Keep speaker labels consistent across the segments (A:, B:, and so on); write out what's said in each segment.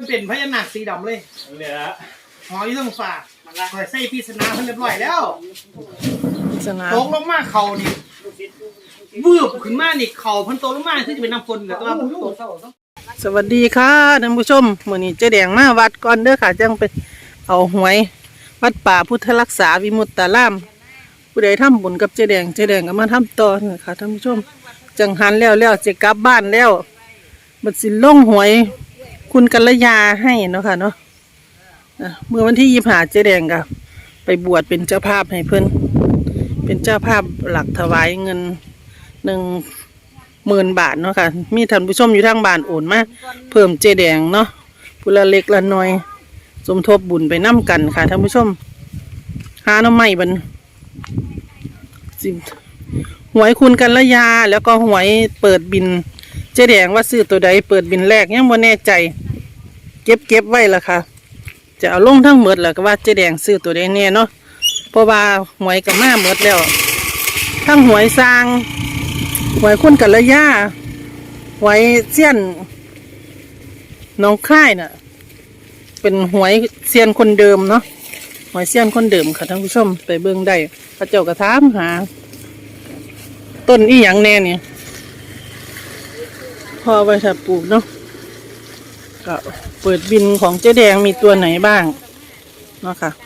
A: เป็นพญานาคสีดำเลยเนี่ยฮะหออยู่ตรงฝาคอยใส่พิศนาเพิ่นเรียบร้อยแล้วตกลงมาเขานี่วืบขึ้นมานี่เขาเพิ่นโตลงมาคือจะเป็นน้ำฝนแล้วตัวสวัสดีค่ะท่านผู้ชมมื้อนี้เจ๊แดงมาวัดก่อนเด้อค่ะจังไปเอาหวยวัดป่าพุทธรักษาวิมุตตารามผู้ใดทำบุญกับเจ๊แดงก็มาทำต่อค่ะท่านผู้ชมจังหันแล้วจะกลับบ้านแล้วบัดสิลงหวยคุณกัลยาให้เนาะค่ะเนาะเมื่อวันที่25เจ๊แดงก็ไปบวชเป็นเจ้าภาพให้เพิ่นเป็นเจ้าภาพหลักถวายเงิน10,000 บาทเนาะค่ะมีท่านผู้ชมอยู่ทางบ้านโอนมาเพิ่มเจ๊แดงเนาะผู้ละเล็กละน้อยสมทบบุญไปน้ำกันค่ะท่านผู้ชมหาหน่อไม้บันหวยคุณกัลยาแล้วก็หวยเปิดบินเจ๊แดงว่าซื้อตัวใดเปิดบินแรกยังบ่แน่ใจเก็บไว้ละค่ะจะเอาลงทั้งหมดแล้วก็ว่าเจ๊แดงซื้อตัวใดแน่เนาะเพราะว่าหวยกับมาหมดแล้วทั้งหวยสร้างหวยคุณกัลยาหวยเสี้ยนน้องค่ายน่ะเป็นหวยเซียนคนเดิมเนาะหวยเซียนคนเดิมค่ะท่านผู้ชมไปเบิ่งได้พระเจ้ากระถามหาต้นอีหยังแน่เนี่ยพอไว้ถ้าปลูกเนาะก็เปิดบินของเจ๊แดงมีตัวไหนบ้างเนาะค่ะ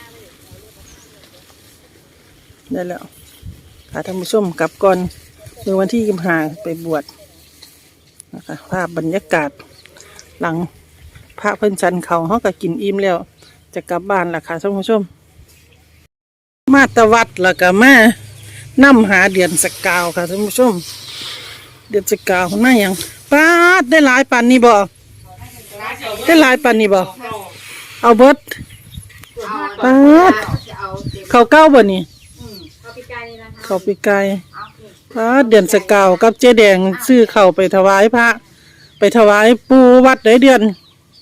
A: ได้แล้วค่ะท่านผู้ชมกลับก่อนเมื่อวันที่25ไปบวชนะคะภาพบรรยากาศหลังพระเพิ่นชันเขาเขาก็กินอิ่มแล้วจะกลับบ้านล่ะค่ะท่านผู้ชมมาตะวัดแล้วก็มานำหาเดือนสกาวค่ะท่านผู้ชมเดือนสกาวน่าอย่างป้าได้หลายปันนี่บ่ได้หลายปันนี่บ่เอาเบิดป้าเขาเก้าบ่นี่เขาปีกายป้าเดือนสกาวกับเจ๊แดงซื้อเข่าไปถวายพระไปถวายปูวัดได้เดือน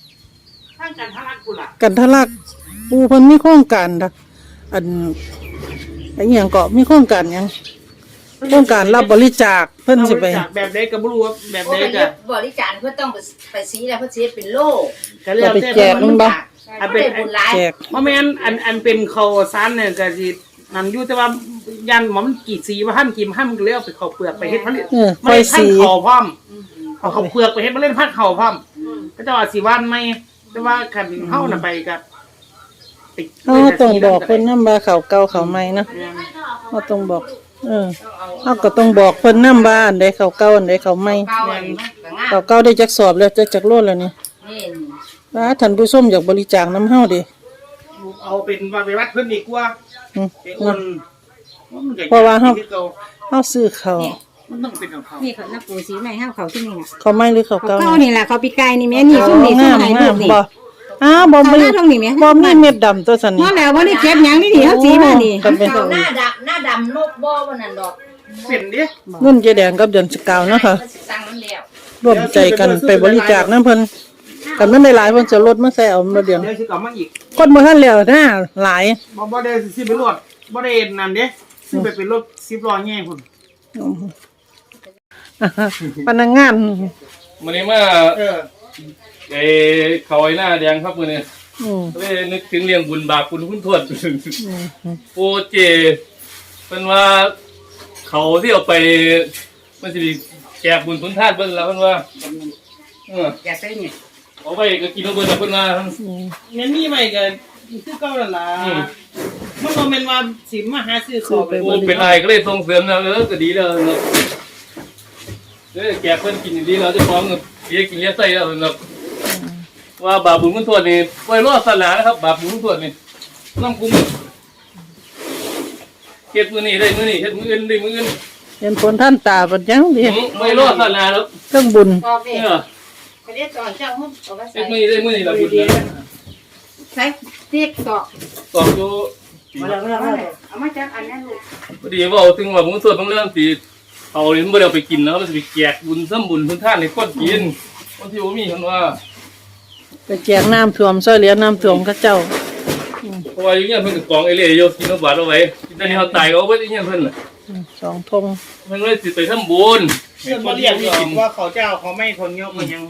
A: กันทะลักปูเพิ่นมีโครงการอันอย่างเกาะมีโครงการยังโครงการรับบริจาคเพิ่นสิไปแบบใดก็บ่รู้ว่าแบบใดจะ
B: บริจาคเพิ่นต้องไปสีแล้วเพิ่นสิเป็นโล่
A: ก็แล้วแต่แจกมันบ่
B: เป็นบุญหลาย
A: แจกบ่แม่นอันเป็นข้าวสารเนี่ยก็สินั่นอยู่แต่ว่ายันหมอมันกี่สีว่าหั่นกิมหั่นก็เลยเอาไปเข้าเปลือกไปเฮ็ดผลิตไม่ได้หั่นข้าวพร้อมเอาข้าวเปลือกไปเฮ็ดมาเล่นพัดข้าวพร้อมก็จะว่าสิวันใหม่แต่ว่าคันเฮาน่ะไปก็ต้องบอกเพิ่นนำว่าข้าวเก่าข้าวใหม่เนาะเฮาต้องบอกเฮาก็ต้องบอกเพิ่นนำว่าอันใดข้าวเก่าอันใดข้าวใหม่ข้าวเก่าได้จักสอบแล้วจักโลแล้วนี่ว่าท่านผู้ชมอยากบริจาคนำเฮาดิเอาเป็นว่าไปวัดเพิ่นดีกว่าเพราะว่าเฮาซื้อข้าวมันต้องเป็นของเขา
B: นี่เขานับปูสีใหม่ห้าเขาที่นี่น่ะ
A: ข้าวใหม่หรือข้าวเก่า
B: นี่ล่ะเขาปีกายนี่แม่นี่ซุ่มนี่ซุ่มให้ลูกนี่
A: บ่บ่มีเม็ดดำตัวซั่นนี่
B: บ่แล้วบ่ได้เก็บหยังนี่เฮาสีมานี่เขาหน้าดำนกบ่ว่านั่นดอก
A: เป็นดิเงินเจ๊แดงกับเดือนสกาวเนาะค่ะร่วมใจกันไปบริจาคนำเพิ่นกันมันได้หลายเพิ่นจะลดมาใส่เอามาเดือนสิกลับมาอีกคนบ่ทันแล้วนะหลายบ่ได้สิไปรถบ่ได้นั่นเด้สิไปเป็นรถ10ล้อแง่พุ่นพนักงาน
C: มื้อนี้มาเขาไอ้หน้าแดงครับมื้อนี้เลยนึกถึงเรื่องบุญบาปคุณทวดโปเจเพิ่นว่าเขาที่เอาไปมันสิแจกบุญคุณทาสเพิ่นแล้วเพิ่นว่า
B: อยากได้นี่
C: เอาไปก็กินเอาเบิดแล้วเพิ่นว่า
A: งั้นมีใหม่ก็คือเก่านั่นล่ะมันบ่แม่นว่าสิมาหาซื้อของไป
C: เป็นไรก็เลยส่งเสริมแล้วก็ดีแล้วเนาะแจกเพิ่นกินดีแล้วเจ้าของเสียกินเลี้ยใส่แล้วเนาะว่าบาปบุญคุณทวดนี่ไว้รอดศาสนานะครับบาปบุญคุณทวดนี่น้ำกุ้งเฮ็ดมื้อนี้ได้มื้อนี้เฮ็ดมื้ออื่นได้มื้ออื่น
A: เห็นผลท่านตาบัดยังดิ
C: ไว้รอดศาสนาแล้ว
A: เครื่องบุญ
B: ไปเรียกตอนเจ้าหุ้นเอาไว้ใส่
C: เฮ็ดมื้อนี้ได้มื้อนี้ล่ะบุญ
B: ใส่เรียกตอก
C: อยู่
B: มาแล้วเอามาจากอันนั้นลูก
C: พอดีว่าถึงว่าบุญทวดบางเรื่องสิเอานี่บ่ได้เอาไปกินนะมันสิไปแจกบุญซ้ำบุญคุณทานให้คนกินคนที่บ่มีเพิ่นว่า
A: ไปแจกน้ำท่วมช่วยเหลือน้ำท่วมเขาเจ้า
C: เพราะว่าอยู่เนี่ยเพิ่นก็กองไอ้เล่โยกินเอาบาดเอาไว้ตอนนี้เขาตายก็เอาไว้ที่เนี่ยเพิ่นน่ะ
A: 2 ธง
C: เพิ่นเลยสิไปทำบุญ
A: เพิ่นบ่เรียกว่าเขาเจ้าเขาไม่คนยกมันยัง
C: เ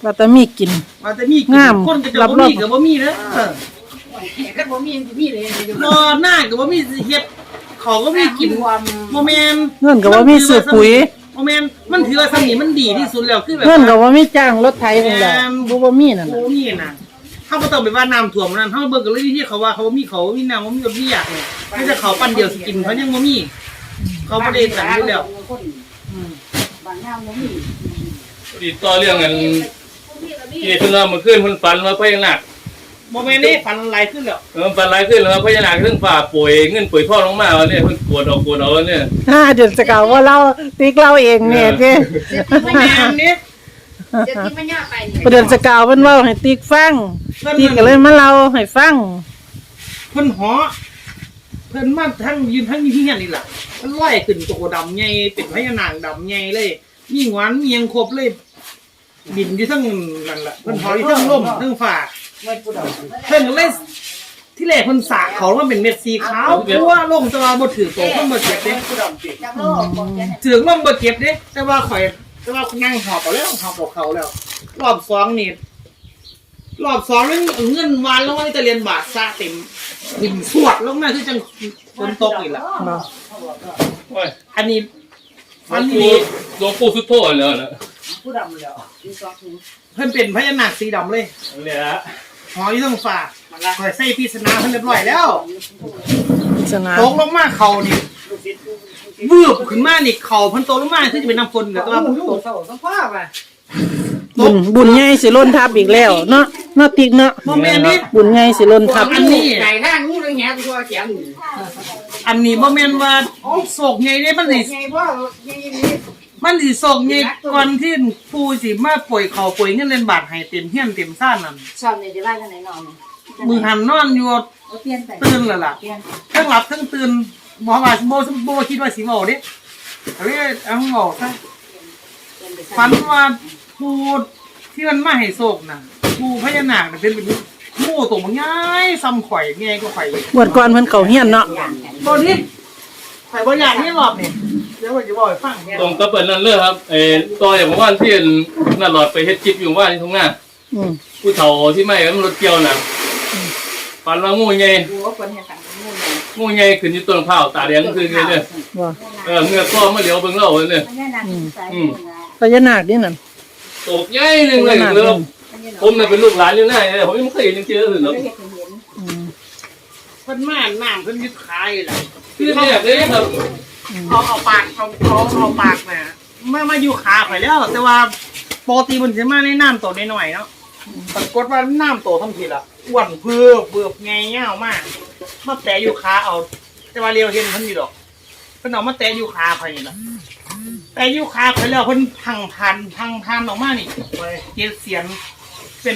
A: ว่าแต่มีกิน
D: ว่าแต่มีกิน
A: งาม
D: คนก็จะ
A: รับ
D: บ่
A: รอง
D: มีก็บ่มีเด้อ
B: ก็บ่มีมีเลย
D: บ่หน้าก็บ่มีเฮ็ดเขาก็มีกินบ่แม่น
A: เงินก็บ่มีซื้อปุ๋ย
D: บ่แม่นมันถือว่าสำนี้มันดีที่สุดแล้วคือแบบ
A: เงินก็
D: ว่า
A: บ่มีจ้างรถไถนั่นแหละบ่มีนั่น
D: โอ้
A: น่ะ
D: นี่น่ะเฮาบ่ต้องไปว่าน้ำท่วมนั่นเฮาเบิ่งกันเลยที่เขาว่าเขาบ่มีเขาบ่มีน้ำบ่มีรถมีอยากเนี่ยไม่ใช่เขาปั้นเดียวสิกินเขายังบ่มีเขาบ่ได้กันอยู่แล้ว
B: บางงามบ่มี
C: ติดต่อเรื่องกันที่เพิ่นว่าเมื่อคืนเพิ่นฝันว่าพญานาค
D: บ่แม่นนี่ฟันหลายขึ้นแล้ว
C: ฝันหลายขึ้นแล้วว่าพญานาคเรื่องฝ่าป่วยเงินป่วยพ่อลงมาเนี่ยเพิ่นกวดเอาเนี่ย
A: เดือนสกาวว่าเราติ๊กเราเองเนี่ยเด้
D: บ่แม่นนี่
B: เดี๋ยวกินมันยากไปนี่
A: เดือนสกาวเพิ่นเว้าให้ติ๊กฟังติ๊กก็เลยมาเล่าให้ฟัง
D: เพิ่นหอเพิ่นมาทั้งยืนทั้งอยู่ที่เฮียนนี่ล่ะมันลอยขึ้นโตดำใหญ่เป็นพญานาคดำใหญ่เลยมีหวานมีหยังครบเลยบินอยู่ทั้งนั่นล่ะเพิ่นหออยู่ทั้งลมทั้งฟ้าเพิ่นก็เลยที่แรกเพิ่นสากเขาว่าเป็นเม็ดสีขาวทั่วลงแต่ว่าบ่ถือโตเพิ่นบ่เจ็บเด้
B: จักโลบอกแก
D: ถือลมบ่เจ็บเด้แต่ว่าข่อยแต่ว่านั่งหอบเอาแล้วหอบเอาเขาแล้ว รอบสองนี่รอบสองนี่เงินวานลงมาในตะเรียนบาทซะเต็มหินสวดลงมาคือจังฝนตกอีกล่ะ
C: โอ้ย
D: อันนี้
C: หล
D: อั
C: วน ง
D: นี้
C: ปู่สุดโทษแล้วนะ
B: ผู้ดำแล้วมีซอกหู
D: เพิ่นเป็นพญานาคสีดำเลย
C: เนี่ย
D: หออยู่ตรงฟ้าข่อยใส่พิศนาเพิ่นเรียบร้อยแล้ว
A: สนา
D: ตกลงมาเขานี่วืบขึ้นมานี่เขาเพิ่นตกลงมาคือจะเป็นน้ำฝนแต่ว่าเพิ่นตก
B: สังภาพอ่ะ
A: บุญใหญ่สิล้นทับอีกแล้วเนาะติ๊กเนาะ
D: บ่แม่นนี่
A: บุญใหญ่สิล้นทับ
D: อันนี้
B: ไก่ทางงูเรื่องแง่ตัวเขียน
D: อันนี้บ่แม่นว่าโศกใหญ่เด้มันสิ
B: ไงบ่ไงนี่
D: มันสิโศกใหญ่ก่อนที่ปู่สิมาป่วยเขาป่วยเงินเล่นบาทให้เต็มเฮียนเต็มซ่านนั่น
B: ชอบนี่จะว่าจังไหนนอน
D: มือหันนอนอยู่
B: เอาเปลี่ยนไป
D: ตื่นแล้วล่ะ
B: เปลี่ยน
D: ทั้งหลับทั้งตื่นบ่ว่าบ่คิดว่าสิเว้าเด้เอ้ยเอาเว้าซะฝันว่าปู่ที่มันมาให้โศกน่ะปู่พญานาคน่ะเป็นหมู่ตัวมันใหญ่ซ้ำข่อยใหญ่กว่าข่อย
A: บวชก่อนเพิ่นเข้าเฮียนเนาะ
D: บ่นี่ข่อยบ่อยากนี่รอบนี่เดี๋ยวว่าจะบอกให้ฟัง
C: ตรงกับเปิดนั่นเลยครับต่ออย่างว่าที่น่าหลอดไปเฮ็ดคลิปอยู่ว่าที่ตรงหน้า
A: อืม
C: ผู้เฒ่าที่ไม่มันรถเกี่ยวน่ะฝันว่างูใหญ่
B: หัวคนเห็นกันงูเลย
C: งูใหญ่ขึ้นอยู่ต้นมะพร้าวตาแดงคือเลยเนี่ย
A: ว่า
C: เงือกก็มาเหลียวเบิ่งเราเนี่ย
B: มันแน่นอนใส่
A: พญานาคนี่นั่น
C: ตกใหญ่หนึงเลยเลยผมเนี่ยเป็นลูกหลานอยู่หน้าเนี่ยผมยังไม่เคยเห็นจริงๆเลยเนาะ
A: อืม
D: เพิ่นมาน้ำเพิ่นยึดขายล่ะ
C: คือเนี่ยเลยครับ
D: เอาปากเอาปากน่ะมาอยู่ขาข่อยแล้ว แต่ว่าปกติมันสิมาในน้ำโตน้อยๆเนาะปรากฏว่าน้ำโตทำผิดอ่ะอ้วนเบือบไงเงี้ยวมากมาแตะอยู่ขาเอา แต่ว่าเรียวเห็นเพิ่นอยู่ดอกเพิ่นเอามาแตะอยู่ขาข่อยนี่ล่ะแต่อยู่ขาข่อยแล้วเพิ่นพังพันออกมานี่เจ็ดเสียงเป็น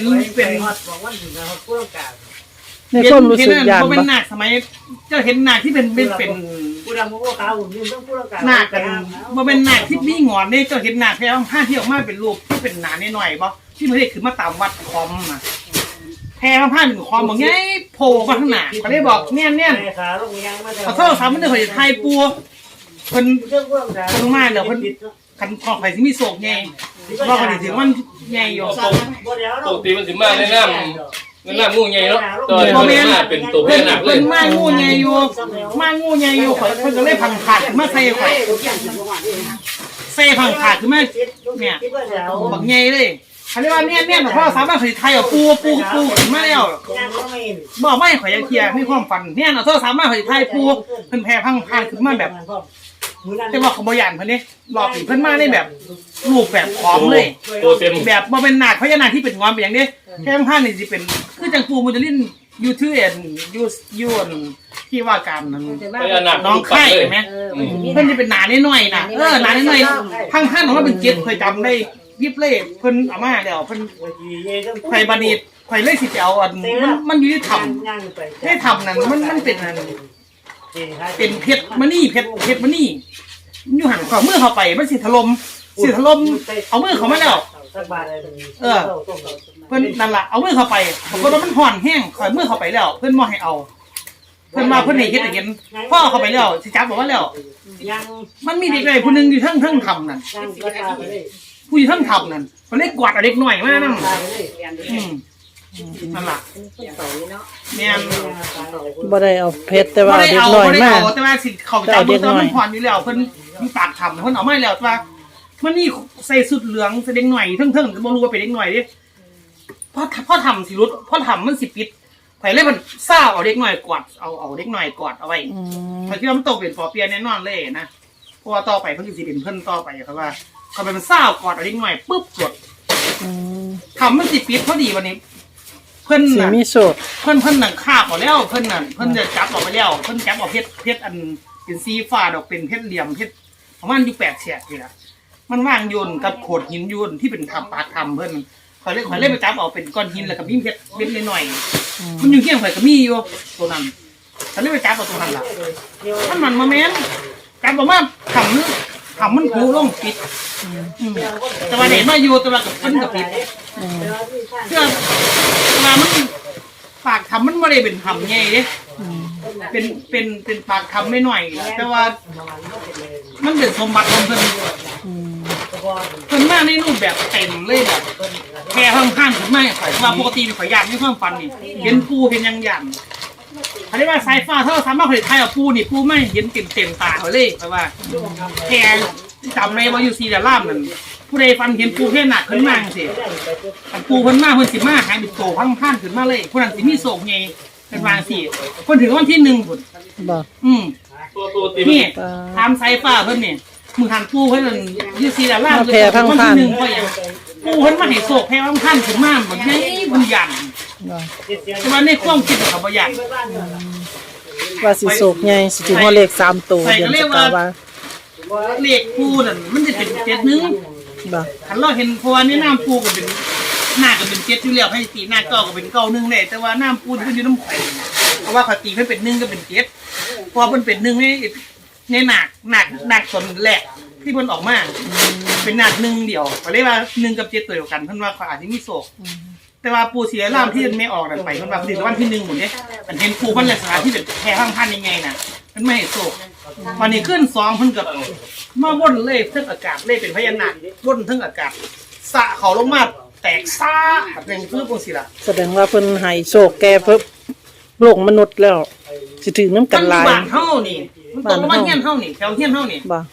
A: ในความรู้สึกยาน
D: บ่เป็น
A: บ่
D: หนักสมัยเจ้าเห็นหนักที่เป็น
B: ผู้ดำผู้ขาวหุ่นยืนต้องผู้ละกัน
D: หนักกันบ่เป็นหนักที่มีหงอนนี่เจ้าเห็นหนักแค่ผ้าที่ออกมาเป็นรูปที่เป็นหนาหน่อยๆบ่ที่มันเรียกคือมาตามวัดคอมอ่ะแพร่ผ้าเป็นคอมบอกไงโผล่มาข้างหน้าเขาเลยบอกเนี่ยขอโทษครับมันเด้อข่อยจะทายปัวเพิ่นเพิ่นมาเดี๋ยวเพิ่นคันพอข่อยสิมีโศกใหญ่ว่าข่อยสิถึงมันใหญ่อยู่
C: ปกติมันสิมาในน้ำงูใหญ่เนาะตอนนี้มาเป็นตัวพญานาคเล
D: เพิ่
C: ย
D: นมางูใหญ่อยู่ข่อยเพิ่นก็เลยพังขาดมาใส่ข่อยใส่พังขาดขึ้นมาเนี่ยบักใหญ่เลยเขาเรียกว่าเนี่ยเพราะสามารถผลิตไทยเอาปูขึ้นมาแล้วบอกไม่ข่อยยังเคลียร์มีความฝันเนี่ยเราสามารถผลิตไทยปูเพิ่นแพ้พังขาดขึ้นมาแบบแต่ว่าเขาบ่ยานเพิ่นนี่รอบนี้เพิ่นมาได้แบบรูปแบบพร้อมเลย
C: ตัวเต็ม
D: แบบบ่เป็นหนักพญานาคที่เป็นงอนเป็นอย่างนี้แค่ข้างนี่สิเป็นคือจังปูมันจะลิ้นยูทูบยูนที่ว่าการนั้น
C: พญานาค
D: น้องไข่เห็นไหมเพิ่นจะเป็นหนาน้อยๆนะหนาน้อยๆข้างๆของมันเป็นเจ็ดเคยจำได้ยิบเล่เพิ่นเอามาเดี๋ยวเพิ่นไข่บานีไข่เล่สิไปเอาอันมันอยู่ที่ทำให้ทำนั่นมันเป็นอันเป็นเพชรมณีเพชรมณีอยู่หันขวามือเข้าไปมันสิถล่มเอามือเข้ามาแล้วเพิ่นนั่นล่ะเอามือเข้าไปปรากฏว่ามันห่อนแห้งข่อยมือเข้าไปแล้ว เพิ่นบ่ให้เอา เพิ่นมาเพิ่นให้เฮ็ดให้เห็นพ่อเข้าไปแล้วสิจับบอกว่าแล้วมันมีเด็กใดผู้นึงอยู่ทั้งทำนั่นผู้ที่ท่านทำนั่นเขาเรียกกวาดเอาเด็กหน่อยมากนั่นนั่นล่ะแม่น
A: บ่ได้เอาเพชรแต่ว่า
D: บ่ได้
A: เด็ก
D: เอา
A: น้อย
D: บ่ได้
A: มาก
D: เอาแต่ว่าสิเขาจำตัวมันผ่อนอยู่แล้วเพิ่นมีปากทำเพิ่นเอาไม่แล้วแต่ว่ามันนี่ใส่สุดเหลืองแสดงหน่อยเทิงๆบ่รู้ว่าเป็นเด็กหน่อยดิพ่อทำสิรุดพ่อทำมันสิปิดไผเลยมันซ่าเอาเด็กหน่อยกอดเอาเด็กหน่อยกอดเอาไว้ไผคิดว่ามันตกเป็นปอเปียแน่นอนเลยนะเพราะว่าต่อไปเพิ่นสิเป็นเพิ่นต่อไปครับว่าเขาเป็นซ่ากอดเอาเด็กหน่อยปุ๊บกดทำมันสิปิดพอดีวันนี้เพิ่น
A: สิ
D: น่ะ
A: มีโชค
D: เพิ่นนั่งคาบออกแล้วเพิ่นนั่นเพิ่นจะจับออกไปแล้วเพิ่นจับออกเพชรอันเป็นสีฟ้าดอกเป็นเพชรเหลี่ยมเพชรประมาณอยู่8 แฉกนี่ล่ะมันว่างโยนกับโขดหินโยนที่เป็นทำปากทำเพิ่นข่อยเลยไปจับเอาเป็นก้อนหินแล้วก็มีเพชรเม็ดหน่อยๆมันอยู่เคียงข่อยก็มีอยู่ตัวนั้นข่อยเลยไปจับเอาตัวนั้นล่ะมันมาแม่นจับออกมาทำมันผูลงปิดแต่ว่าเด็กมาอยู่แต่ว่ากับเพิ่นก็ปิดเพื่อว่ามันปากทำมันไม่ได้เป็นทำไงเด้เป็นปากทำไม่หน่อยแต่ว่ามันเป็นสมบัติของเพิ่นมาในรูปแบบเต็มเลยแบบแค่ข้างๆถึงไม่ข่อยว่าปกติข่อยยากไม่ความฟันนี่เห็นปูเป็นยังเขาเรียกว่าสายฟ้าถ้าเราสามารถผลิตไทยเอาปูนี่ปูไม่เห็นเต็มตาเลยเพราะว่าแค่จำในว่าอยู่ซีดาล่ามนั่นผู้ใดฟันเห็นปูแค่หนักขึ้นมาสิปูเพิ่นมาเพิ่นสิมาหายบิดโตพังขึ้นมาเลยผู้นั้นสิมีโศกไงเป็นวางสิเพิ่นถึงวันที่1พุ่น
A: บ่
C: ตัวตี
D: นี่ทำสายฟ้าเพิ่นนี่มือหันปูเพิ่นอยู่ซีดาล่ามวันที่1เพราะอย่างปูเพิ่นมาให้โศกแพ้พังขึ้นมาเหมือนไงบุญยัน
A: บ่
D: แต่ว่าในความคิดของเขาบ่ยัน
A: ว่าสิโชคใหญ่สิถึงว่าเลข3ตัวเดือนสกาวา
D: เลขปูนั่นมันจะเป็น7 นึง
A: บ่
D: คันเราเห็นเพราะว่าในน้ำปูก็เป็นหน้าก็เป็น7อยู่แล้วให้ตีหน้าเก้าก็เป็นเก้า1เลยแต่ว่าน้ำปูที่เพิ่นอยู่น้ำไข่เพราะว่าเขาตีเพิ่นเป็น1ก็เป็น7พอเพิ่นเป็น1ในหนักส่วนแรกที่เพิ่นออกมาเป็นหนัก1เดียวก็เลยว่า1กับ7ตัวเดียวกันเพิ่นว่าเขาอาจจะมีโศกแต่ว่าปูสีล่ามที่ไม่ออกนั่นไปเพิ่นว่าถึงวันที่1หมดเด้มันเห็นปูมันลักษณะที่เป็นแพร่พันยังไงน่ะมันไม่ให้โศกวันนี้ขึ้น2เพิ่นกับมาวนเลยเทั้งอากาศเลยเป็นพญานาควนเทั้งอากาศสะเขาลงมาแตกซ่าเป็นคือปูสิล่ะ
A: แสดงว่าเพิ่นให้โชคแก่เพิ่นโลกมนุษย์แล้วสิถึงน้ำกันหลาย
D: บ้านเฮานี่มันตกลงมาเฮียนเฮานี่แถวเฮียนเฮานี่
A: บ่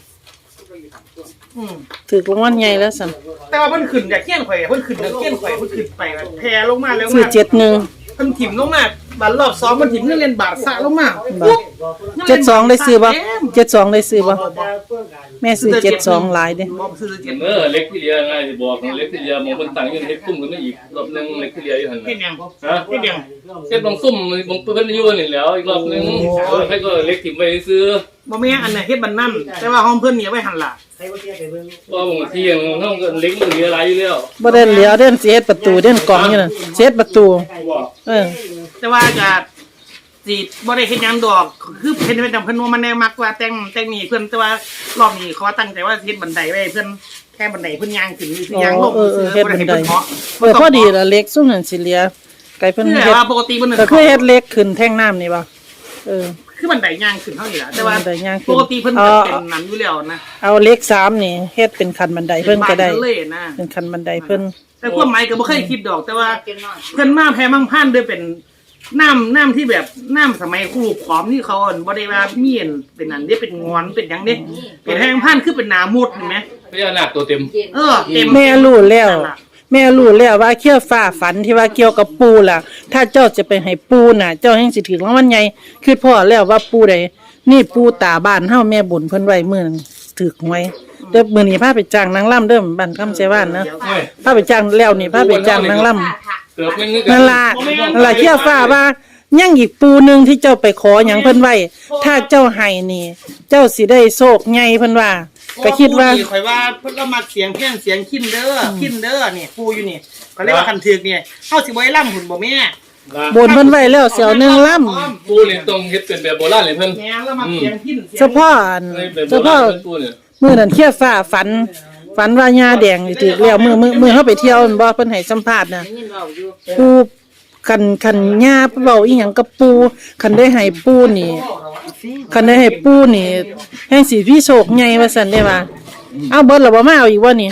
A: ถึกรางวัลใหญ่แล้วซั่น
D: แต่ว่าเพิ่นขึ้นจากเฮียนข่อยเพิ่นขึ้นจากเฮียนข่อยเพิ่นขึ้นไปแพร่ลงมาแล้ว
A: ซื้อ
D: มา
A: 71
D: เพิ่นถิ่มลงมาบาทรอบ2มันถิ่มเงินเรียนบาทสะลงมา
A: 72ได้ซื้อบ่72ได้ซื้อบ่แม่ซื้อ72หลายเด้
D: บ่ซื้อ7
C: เล็กที่เรียง่ายสิบอกเล็กที่เรียมองคนต่างยังเฮ็ดคุ้มกันไม่อีกรอบนึงเล็กที่เรียอยู่หั่น
D: เฮ็ดหยัง
C: ฮะ
D: เฮ็ดหยัง
C: เฮ็ดบางซุ่มบางเพิ่นอยู่นี่แล้วอีกรอบนึงให้ก็เล็กถิ่มไปซื้อ
D: บ่แม่อันน่ะเฮ็ดบันนั่นแต่ว่าห้องเพิ่นนี่ไว้หั่นล่ะ
C: ว่าบางทีอย่างเฮาก็เล็กมันเหลือหลายอยู่แล้ว
A: บ่ได้เหลียวเด่นสิเฮ็ดประตูเด่นกล่องอยู่นั่นสิเฮ็ดประตู
C: ว่า
D: แต่ว่าก็สิบ่ได้เฮ็ดหยังดอกคือเพิ่นเป็นจังเพิ่นว่ามันแน่มักว่าแต่งนี่เพิ่นแต่ว่ารอบนี้เขาตั้งใจว่าเฮ็ดบันไดไว้เพิ่นแค่บันไดเพิ่นย่างขึ้นคือย่างลง
A: เฮ็ดบันได
D: เพิ่น
A: พอดีละเล็กซุ่มนั่นสิเหลียไกเพิ่น
D: คือ
A: เฮ็ด
D: ว่าปกติเพิ่น
A: ก็คือเฮ็ดเล็กขึ้นแท่งน้ำนี่บ่
D: คือบันไดย่างขึ้นเท่านี้ล่ะแต่ว่า
A: บันไดย่างขึ้น
D: ปกติเพิ่นก็เป็นนั้นอยู่แล้วนะ
A: เอาเล็ก3นี่เฮ็ดเป็นคันบันไดเพิ่นก็ได้
D: เป็นบ้านเลยนะ
A: เป็นคันบันไดเพิ่น
D: แต่ความหมายก็บ่เคยคิดดอกแต่ว่าเพิ่นมาแพ้มั่งพันด้วยเป็นน้ำที่แบบน้ำสมัยครูขอมนี่เขาบ่ได้ว่ามีอันเป็นอันนี้เป็นงอนเป็นหยังเด้เป็นแพงพันคือเป็นหนามุดเห็นไหม
C: พญานาคตัวเต็ม
D: เต็ม
A: แม่รู้แล้วแม่รู้แล้วว่าเขี้ยวฟ้าฝันที่ว่าเกี่ยวกับปูล่ะ ถ้าเจ้าจะไปให้ปูน่ะ เจ้าแห่งสิถึงรางวัลใหญ่คือพ่อแล้วว่าปูใดนี่ปูตาบ้านเฮาแม่บุญเพิ่นไว้มื้อนั้นถึกหวยเด้อมื้อนี้พาไปจ้างนางล่ำเด้อบ้านคำไสว่านนะพาไปจ้างแล้วนี่พาไปจ้างนางล่ำ
C: เกือบนึง
A: นั่นล่ะเขี้ยวฟ้าว่ายังอีกปูหนึงที่เจ้าไปขอหยังเพิ่นไว้ถ้าเจ้าให้นี่ เจ้าสิได้โชคใหญ่เพิ่นว่าก็คิดว่า
D: ข่อยว่าเพิ่นละมักเสียงเพี้ยนเสียงคินเด้อนี่ปูอยู่นี่เขาเรียกว่าคันถึกนี่เฮาสิบ่ให้ล่ำหุ่นบ่แม่
A: บนเพิ่นไว้แล้วเสียวหนึงล่ำ
C: ปูนี่ต้องเฮ็ดเป็นแบบโบราณเลยเพิ่น
D: แม่ละมักเสียงคิน
A: เฉพาะอัน
C: แบบโบ
A: เฉ
C: รา
A: พาะ
C: ณปูเนี่ย
A: มื้อนั้นเขี้ยวฟ้าฝันว่าญาแดงนี่ถูกแล้วมื้อเฮาไปเที่ยวบ่เพิ่นให้สัมภาษณ์น่ะปูคันญาเว้าอีหยังกับปูคันได้ให้ปูนี่คันได้ให้ปูนี่แห่งสิมีโชคใหญ่ว่าซั่นได้ว่าเอาเบิดแล้วบ่มาเอาอีกบ่นี่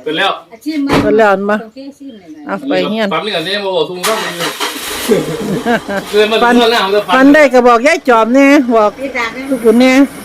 C: เป็นแล้ว
B: อาชีพมัน
A: เพิ่นแล้วมา
B: โอเคซิมเลยนะ
A: เอาไปเฮียน
C: ปั๊มนี่กันเนี่ยมาบอกทุ่งข้างนี้เกินมาถึงเรื่องหน้าของเธอ
A: ฟันได้ก็บอกยายจอมแน่บอก
B: พี่ตาเนี่ย
A: ทุกคนแน่
B: เ